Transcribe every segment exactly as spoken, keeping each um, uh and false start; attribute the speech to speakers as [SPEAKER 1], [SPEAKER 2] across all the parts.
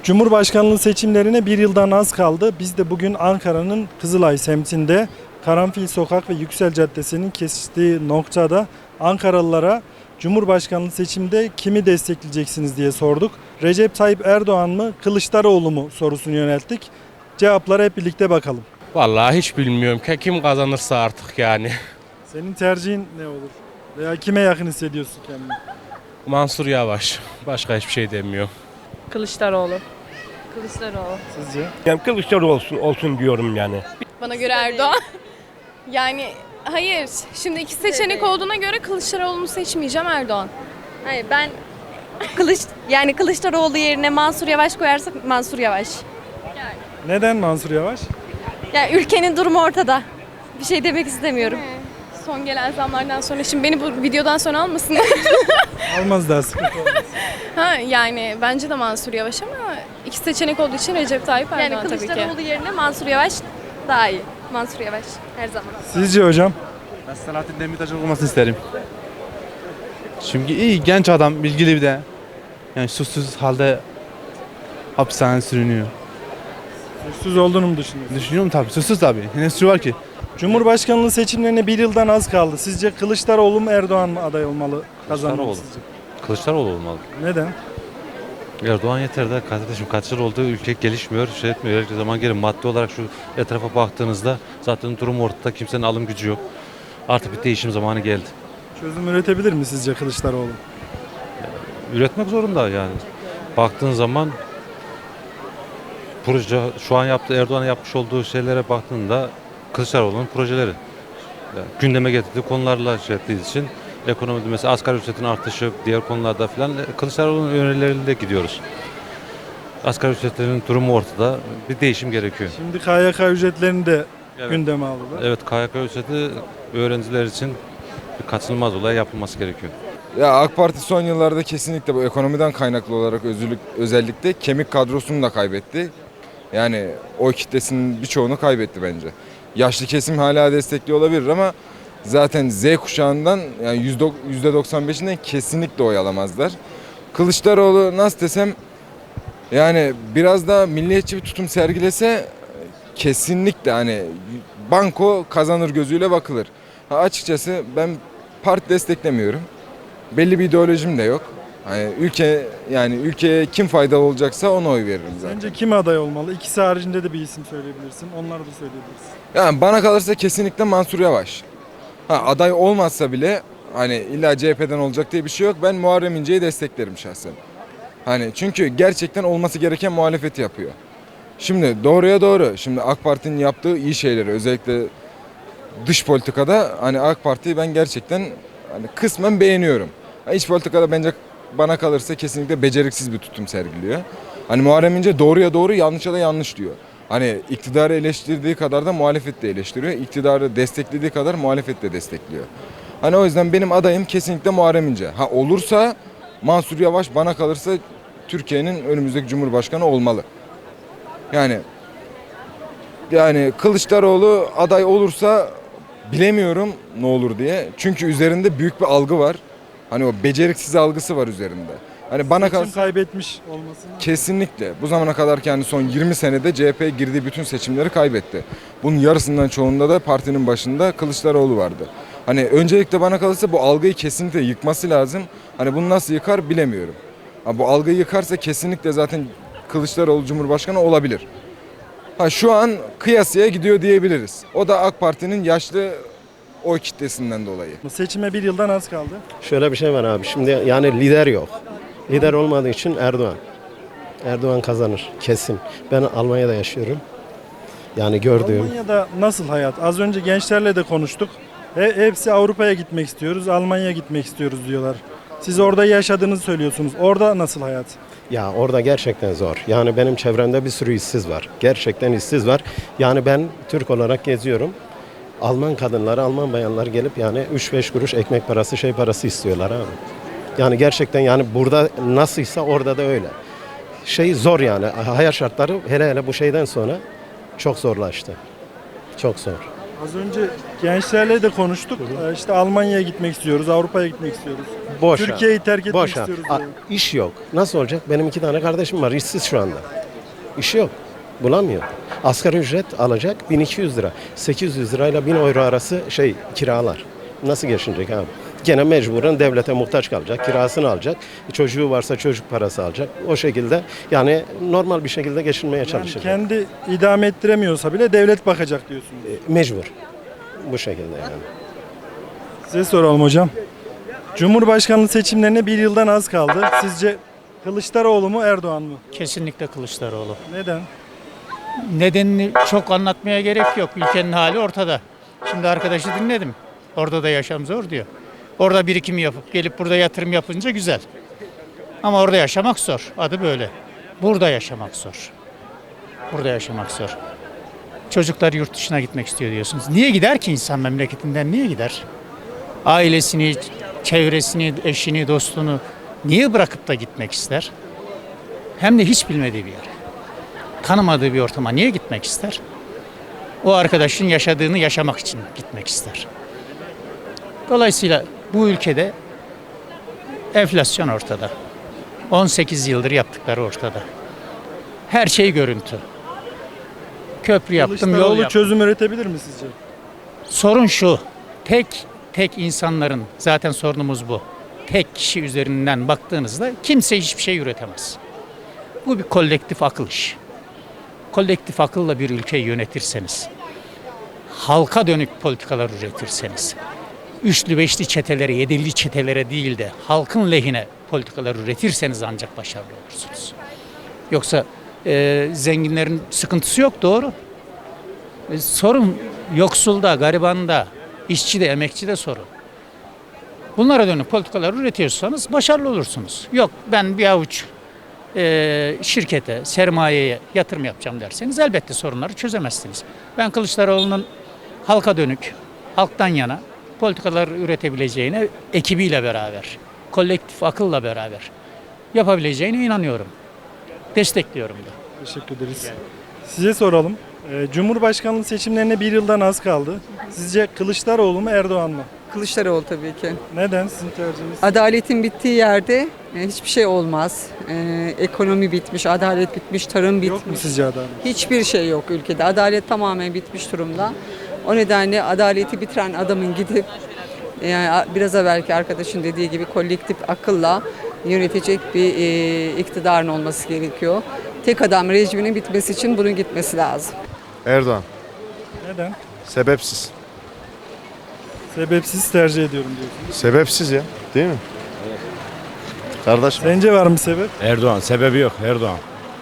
[SPEAKER 1] Cumhurbaşkanlığı seçimlerine bir yıldan az kaldı. Biz de bugün Ankara'nın Kızılay semtinde Karanfil Sokak ve Yüksel Caddesi'nin kesiştiği noktada Ankaralılara Cumhurbaşkanlığı seçimde kimi destekleyeceksiniz diye sorduk. Recep Tayyip Erdoğan mı, Kılıçdaroğlu mu sorusunu yönelttik. Cevaplara hep birlikte bakalım.
[SPEAKER 2] Vallahi hiç bilmiyorum ki kim kazanırsa artık yani.
[SPEAKER 1] Senin tercihin ne olur? Veya kime yakın hissediyorsun kendini?
[SPEAKER 2] Mansur Yavaş. Başka hiçbir şey demiyor.
[SPEAKER 3] Kılıçdaroğlu. Kılıçdaroğlu.
[SPEAKER 1] Sizce?
[SPEAKER 4] Yani Kılıçdaroğlu olsun, olsun diyorum yani.
[SPEAKER 5] Bana göre Erdoğan. Yani hayır. Şimdi iki seçenek olduğuna göre Kılıçdaroğlu'nu seçmeyeceğim, Erdoğan.
[SPEAKER 3] Hayır ben Kılıç yani Kılıçdaroğlu yerine Mansur Yavaş koyarsak Mansur Yavaş.
[SPEAKER 1] Neden Mansur Yavaş?
[SPEAKER 3] Yani ülkenin durumu ortada. Bir şey demek istemiyorum.
[SPEAKER 5] Son gelen zamlardan sonra şimdi beni bu videodan sonra almasın.
[SPEAKER 1] Almaz daha sıkıntı olmaz.
[SPEAKER 5] Ha yani bence de Mansur Yavaş ama iki seçenek olduğu için Recep Tayyip Erdoğan
[SPEAKER 3] Yani
[SPEAKER 5] tabii ki.
[SPEAKER 3] Kılıçdaroğlu yerine Mansur Yavaş daha iyi. Mansur Yavaş her zaman.
[SPEAKER 1] Sizce hocam?
[SPEAKER 6] Ben Selahattin Demirtaş'ın olmasını isterim. Çünkü iyi genç adam, bilgili bir de. Yani suçsuz halde hapishanede sürünüyor.
[SPEAKER 1] Suçsuz olduğunu mu düşünüyorsunuz?
[SPEAKER 6] Düşünüyorum tabii, suçsuz tabii. Ne suçu var ki?
[SPEAKER 1] Cumhurbaşkanlığı seçimlerine bir yıldan az kaldı. Sizce Kılıçdaroğlu mu Erdoğan mı aday olmalı, kazanmalı
[SPEAKER 7] Kılıçdaroğlu.
[SPEAKER 1] sizce?
[SPEAKER 7] Kılıçdaroğlu olmalı.
[SPEAKER 1] Neden?
[SPEAKER 7] Erdoğan yeter de kardeşim kaç yıl oldu ülke gelişmiyor, şey etmiyor. Her zaman gelin maddi olarak şu etrafa baktığınızda zaten durum ortada, kimsenin alım gücü yok. Artık bir değişim zamanı geldi.
[SPEAKER 1] Çözüm üretebilir mi sizce Kılıçdaroğlu?
[SPEAKER 7] Üretmek zorunda yani. Baktığın zaman proje şu an yaptığı Erdoğan'ın yapmış olduğu şeylere baktığında Kılıçdaroğlu'nun projeleri. Yani gündeme getirdiği konularla şey ettiği için ekonomide mesela asgari ücretin artışı, diğer konularda filan Kılıçdaroğlu'nun önerilerinde gidiyoruz. Asgari ücretlerin durumu ortada. Bir değişim gerekiyor.
[SPEAKER 1] Şimdi K Y K ücretlerini de
[SPEAKER 7] Evet.
[SPEAKER 1] gündeme aldılar.
[SPEAKER 7] Evet, K Y K ücreti öğrenciler için bir kaçınılmaz olay yapılması gerekiyor.
[SPEAKER 8] Ya AK Parti son yıllarda kesinlikle bu ekonomiden kaynaklı olarak özürlük, özellikle kemik kadrosunu da kaybetti. Yani oy kitlesinin birçoğunu kaybetti bence. Yaşlı kesim hala destekliyor olabilir ama zaten Z kuşağından yani yüzde doksan beşinden kesinlikle oy alamazlar. Kılıçdaroğlu nasıl desem yani biraz daha milliyetçi bir tutum sergilese kesinlikle hani banko kazanır gözüyle bakılır. Ha, açıkçası ben parti desteklemiyorum. Belli bir ideolojim de yok. Hani ülke yani ülkeye kim faydalı olacaksa ona oy veririm zaten.
[SPEAKER 1] Sence kim aday olmalı? İkisi haricinde de bir isim söyleyebilirsin. Onları da söyleyebilirsin.
[SPEAKER 8] Yani bana kalırsa kesinlikle Mansur Yavaş. Ha, aday olmazsa bile hani illa C H P'den olacak diye bir şey yok. Ben Muharrem İnce'yi desteklerim şahsen. Hani çünkü gerçekten olması gereken muhalefeti yapıyor. Şimdi doğruya doğru. Şimdi AK Parti'nin yaptığı iyi şeyleri özellikle dış politikada hani AK Parti'yi ben gerçekten hani kısmen beğeniyorum. İç politikada bence bana kalırsa kesinlikle beceriksiz bir tutum sergiliyor. Hani Muharrem İnce doğruya doğru yanlışa da yanlış diyor. Hani iktidarı eleştirdiği kadar da muhalefet de eleştiriyor. İktidarı desteklediği kadar muhalefet de destekliyor. Hani o yüzden benim adayım kesinlikle Muharrem İnce. Ha olursa Mansur Yavaş bana kalırsa Türkiye'nin önümüzdeki Cumhurbaşkanı olmalı. Yani yani Kılıçdaroğlu aday olursa bilemiyorum ne olur diye. Çünkü üzerinde büyük bir algı var. Hani o beceriksiz algısı var üzerinde. Hani bana
[SPEAKER 1] Seçim
[SPEAKER 8] kalırsa
[SPEAKER 1] kaybetmiş olmasını.
[SPEAKER 8] kesinlikle bu zamana kadar ki yani son yirmi senede C H P girdiği bütün seçimleri kaybetti. Bunun yarısından çoğunda da partinin başında Kılıçdaroğlu vardı. Hani öncelikle bana kalırsa bu algıyı kesinlikle yıkması lazım. Hani bunu nasıl yıkar bilemiyorum. Ha, bu algıyı yıkarsa kesinlikle zaten Kılıçdaroğlu Cumhurbaşkanı olabilir. Ha şu an kıyasıya gidiyor diyebiliriz. O da AK Parti'nin yaşlı oy kitlesinden dolayı.
[SPEAKER 1] Seçime bir yıldan az kaldı.
[SPEAKER 9] Şöyle bir şey var abi. Şimdi yani lider yok. Lider olmadığı için Erdoğan. Erdoğan kazanır kesin. Ben Almanya'da yaşıyorum. Yani gördüğüm.
[SPEAKER 1] Almanya'da nasıl hayat? Az önce gençlerle de konuştuk. He, hepsi Avrupa'ya gitmek istiyoruz, Almanya'ya gitmek istiyoruz diyorlar. Siz orada yaşadığınızı söylüyorsunuz. Orada nasıl hayat?
[SPEAKER 9] Ya orada gerçekten zor. Yani benim çevremde bir sürü işsiz var. Gerçekten işsiz var. Yani ben Türk olarak geziyorum. Alman kadınları, Alman bayanlar gelip yani üç beş kuruş ekmek parası, şey parası istiyorlar abi. Yani gerçekten yani burada nasılsa orada da öyle. Şey zor yani. Hayat şartları hele hele bu şeyden sonra çok zorlaştı. Çok zor.
[SPEAKER 1] Az önce gençlerle de konuştuk. Ee, İşte Almanya'ya gitmek istiyoruz, Avrupa'ya gitmek istiyoruz.
[SPEAKER 9] Boş.
[SPEAKER 1] Türkiye'yi terk etmek
[SPEAKER 9] Boş.
[SPEAKER 1] istiyoruz.
[SPEAKER 9] A-
[SPEAKER 1] diyor.
[SPEAKER 9] İş yok. Nasıl olacak? Benim iki tane kardeşim var. İşsiz şu anda. İşi yok. Bulamıyor. Asgari ücret alacak bin iki yüz lira. sekiz yüz lirayla bin euro arası şey kiralar. Nasıl geçinecek abi? Gene mecburen devlete muhtaç kalacak. Kirasını alacak. Çocuğu varsa çocuk parası alacak. O şekilde yani normal bir şekilde geçinmeye
[SPEAKER 1] Yani
[SPEAKER 9] çalışacak.
[SPEAKER 1] kendi idame ettiremiyorsa bile devlet bakacak diyorsunuz.
[SPEAKER 9] E, Mecbur. Bu şekilde yani.
[SPEAKER 1] Size soralım hocam. Cumhurbaşkanlığı seçimlerine bir yıldan az kaldı. Sizce Kılıçdaroğlu mu Erdoğan mı?
[SPEAKER 10] Kesinlikle Kılıçdaroğlu.
[SPEAKER 1] Neden?
[SPEAKER 10] Nedenini çok anlatmaya gerek yok. Ülkenin hali ortada. Şimdi arkadaşı dinledim. Orada da yaşam zor diyor. Orada birikim yapıp gelip burada yatırım yapınca güzel. Ama orada yaşamak zor. Adı böyle. Burada yaşamak zor. Burada yaşamak zor. Çocuklar yurt dışına gitmek istiyor diyorsunuz. Niye gider ki insan memleketinden? Niye gider? Ailesini, çevresini, eşini, dostunu niye bırakıp da gitmek ister? Hem de hiç bilmediği bir yere. Tanımadığı bir ortama niye gitmek ister? O arkadaşın yaşadığını yaşamak için gitmek ister. Dolayısıyla bu ülkede enflasyon ortada. on sekiz yıldır yaptıkları ortada. Her şey görüntü. Köprü yaptım, yol
[SPEAKER 1] Kılıçdaroğlu
[SPEAKER 10] yaptım.
[SPEAKER 1] çözüm üretebilir mi sizce?
[SPEAKER 10] Sorun şu. Tek tek insanların zaten sorunumuz bu. Tek kişi üzerinden baktığınızda kimse hiçbir şey üretemez. Bu bir kolektif akıl işi. Kolektif akılla bir ülkeyi yönetirseniz, halka dönük politikalar üretirseniz, üçlü beşli çetelere, yedili çetelere değil de halkın lehine politikalar üretirseniz ancak başarılı olursunuz. Yoksa e, zenginlerin sıkıntısı yok, doğru. E, sorun yoksulda, garibanda, işçi de, emekçi de sorun. Bunlara dönük politikalar üretiyorsanız başarılı olursunuz. Yok ben bir avuç e, şirkete, sermayeye yatırım yapacağım derseniz elbette sorunları çözemezsiniz. Ben Kılıçdaroğlu'nun halka dönük, halktan yana politikalar üretebileceğine ekibiyle beraber, kolektif akılla beraber yapabileceğine inanıyorum. Destekliyorum da.
[SPEAKER 1] Teşekkür ederiz. Size soralım. Ee, Cumhurbaşkanlığı seçimlerine bir yıldan az kaldı. Sizce Kılıçdaroğlu mu Erdoğan mı?
[SPEAKER 11] Kılıçdaroğlu tabii ki.
[SPEAKER 1] Neden sizin tercihiniz?
[SPEAKER 11] Adaletin bittiği yerde e, hiçbir şey olmaz. E, ekonomi bitmiş, adalet bitmiş, tarım
[SPEAKER 1] Yok mu
[SPEAKER 11] bitmiş.
[SPEAKER 1] sizce adalet?
[SPEAKER 11] Hiçbir şey yok ülkede. Adalet tamamen bitmiş durumda. O nedenle adaleti bitiren adamın gidip yani biraz evvelki arkadaşın dediği gibi kolektif akılla yönetecek bir e, iktidarın olması gerekiyor. Tek adam rejiminin bitmesi için bunun gitmesi lazım.
[SPEAKER 12] Erdoğan.
[SPEAKER 1] Neden?
[SPEAKER 12] Sebepsiz.
[SPEAKER 1] Sebepsiz tercih ediyorum diyorsunuz.
[SPEAKER 12] Sebepsiz ya. Değil mi? Kardeşim.
[SPEAKER 1] Sence var mı sebep?
[SPEAKER 13] Erdoğan. Sebebi yok Erdoğan.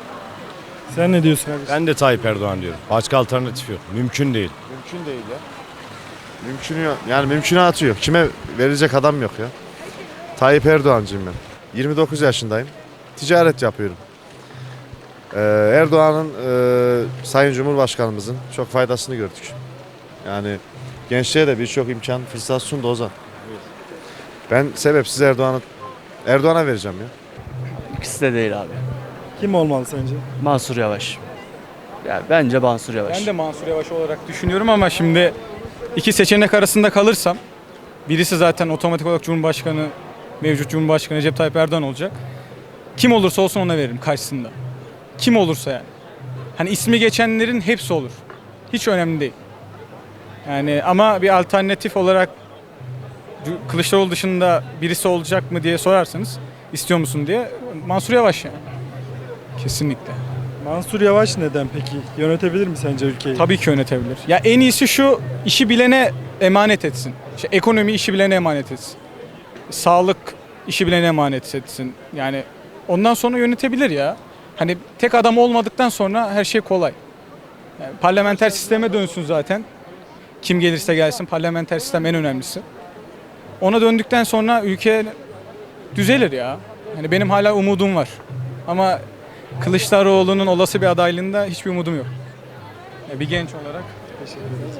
[SPEAKER 1] Sen ne diyorsun kardeşim?
[SPEAKER 13] Ben de Tayyip Erdoğan diyorum. Başka alternatif yok. Mümkün değil.
[SPEAKER 12] Mümkün değil ya. Mümkünü yok. Yani mümkünatı yok. Kime verecek adam yok ya. Tayyip Erdoğancıyım ben. yirmi dokuz yaşındayım. Ticaret yapıyorum. Ee, Erdoğan'ın e, Sayın Cumhurbaşkanımızın çok faydasını gördük. Yani gençliğe de birçok imkan, fırsat sundu o zaman. Ben sebepsiz Erdoğan'ı Erdoğan'a vereceğim ya.
[SPEAKER 14] İkisi de değil abi.
[SPEAKER 1] Kim olmalı sence?
[SPEAKER 14] Mansur Yavaş. Ya bence Mansur Yavaş.
[SPEAKER 15] Ben de Mansur Yavaş olarak düşünüyorum ama şimdi iki seçenek arasında kalırsam birisi zaten otomatik olarak Cumhurbaşkanı, mevcut Cumhurbaşkanı Recep Tayyip Erdoğan olacak. Kim olursa olsun ona veririm karşısında. Kim olursa yani. Hani ismi geçenlerin hepsi olur. Hiç önemli değil. Yani ama bir alternatif olarak Kılıçdaroğlu dışında birisi olacak mı diye sorarsanız istiyor musun diye Mansur Yavaş yani. Kesinlikle.
[SPEAKER 1] Mansur Yavaş neden peki? Yönetebilir mi sence ülkeyi?
[SPEAKER 15] Tabii ki yönetebilir. Ya en iyisi şu, işi bilene emanet etsin. İşte ekonomi işi bilene emanet etsin. Sağlık işi bilene emanet etsin. Yani ondan sonra yönetebilir ya. Hani tek adam olmadıktan sonra her şey kolay. Yani parlamenter sisteme dönsün zaten. Kim gelirse gelsin parlamenter sistem en önemlisi. Ona döndükten sonra ülke düzelir ya. Hani benim hala umudum var. Ama Kılıçdaroğlu'nun olası bir adaylığında hiçbir umudum yok. Yani bir genç olarak teşekkür ederim.